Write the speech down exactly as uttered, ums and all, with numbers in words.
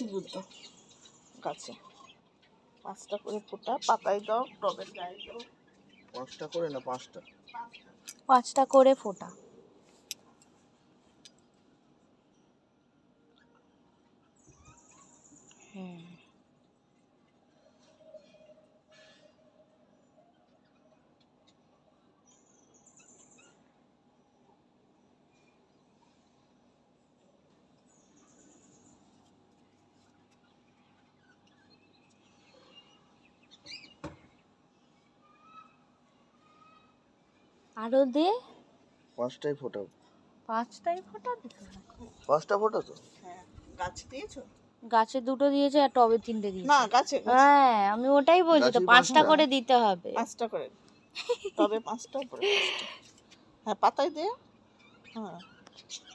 বুঝো গাছে পাঁচটা করে ফোঁটা, পাতায় দাও, টবের গায়ে দাও। পাঁচটা করে না পাঁচটা? পাঁচটা করে ফোঁটা। হুম আরো দে। পাঁচটাই ফোটাও? পাঁচটাই ফোঁটা দিতে হবে। পাঁচটা ফোটা তো? হ্যাঁ, গাছে দিয়েছো? গাছে দুটো দিয়েছে আর টবে তিনটে দিয়েছে। না, গাছে গাছে হ্যাঁ আমি ওটাই বলছি তো, গাছেই পাঁচটা পাঁচটা? করে দিতে হবে। পাঁচটা করে, তবে পাঁচটা উপরে পাঁচটা। হ্যাঁ, পাতায় দে। হ্যাঁ